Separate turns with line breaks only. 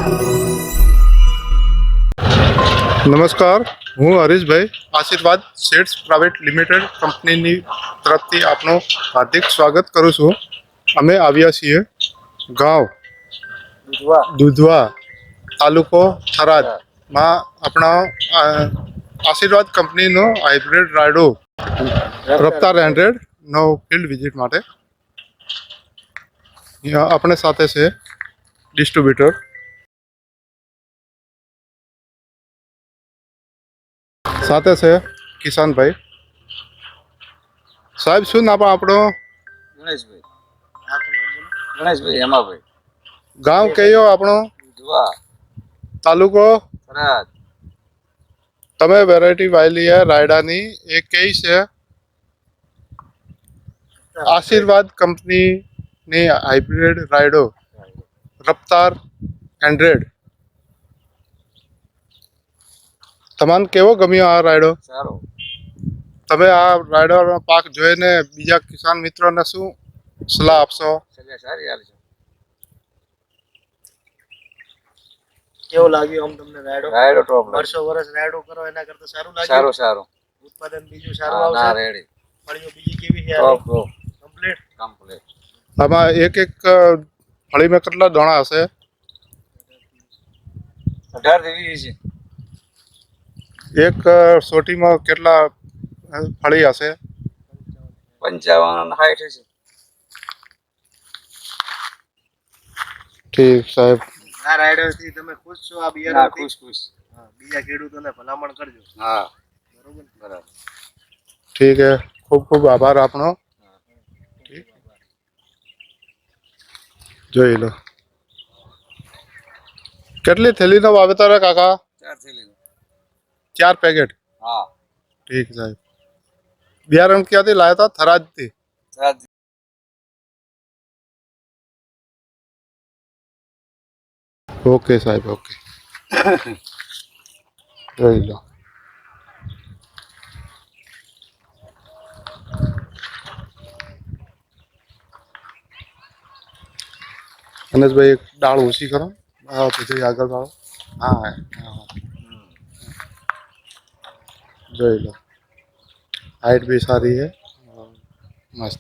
નમસ્કાર, હું હરીશભાઈ આશીર્વાદ શેડ્સ પ્રાઇવેટ લિમિટેડ કંપનીની તરફથી આપનું હાર્દિક સ્વાગત કરું છું. અમે આવ્યા છીએ ગાંવ દુધવા, તાલુકો થરાદમાં આપણા આશીર્વાદ કંપનીનો હાઇબ્રિડ રાયડો રફતાર 100નો ફિલ્ડ વિઝિટ માટે. આપણે સાથે છે ડિસ્ટ્રીબ્યુટર સાથે છે કિશનભાઈ. સાહેબ, શું નામ આપણો?
ગણેશભાઈ હેમાભાઈ.
ગાંવ કયો આપણો?
દુધવા,
તાલુકો?
થરાદ.
તમે વેરાયટી વાયલી है રાયડાની એ કઈ છે? આશીર્વાદ કંપનીની હાઇબ્રિડ રાયડો રફતાર 100. તમને કેવો ગમ્યો આ રાયડો?
સારો.
તમે આ રાયડોનો પાક જોઈને બીજા કિસાન મિત્રોને શું સલાહ આપશો?
સલાહ સારી આવી છે.
કેવો લાગ્યો આમ તમને રાયડો?
રાયડો ટોપ
વર્ષો વર્ષ રાયડો કરો એના કરતા સારું લાગ્યું?
સારું સારું.
ઉત્પાદન બીજું સારું
ના
આવશે?
રેડી.
ફળીઓ બીજી કેવી છે?
Top top
complete.
કમ્પ્લીટ.
આમાં એક ફળીમાં કેટલા દાણા હશે?
18 થી 20 છે.
એક સોટીમાં કેટલા ફળી હશે?
55 60 છે.
ઠીક સાહેબ.
આ રાયડો થી તમે ખુશ છો? આ
ના
બિયારણ
ખુશ ખુશ.
બીજા ખેડૂતોને ભલામણ કરજો.
હા
બરોબર.
બરાબર.
ઠીક હે, ખૂબ ખૂબ આભાર આપનો. ઠીક, જોઈ લો. કેટલી થેલીનો વાવેતર હે કાકા?
4 થેલી.
4 પેકેટ.
હા.
ઠીક સાહેબ. બિયારણ ક્યાંથી લાયા હતા? થરાદથી.
થરાદ.
ઓકે સાહેબ, ઓકે. જોઈ લો. અનેશભાઈ, એક ડાળ ઓછી કરો. હા, પછી આગળ વાળો. હા હા, જોઈ લો. હાઈટ भी સારી है, મસ્ત.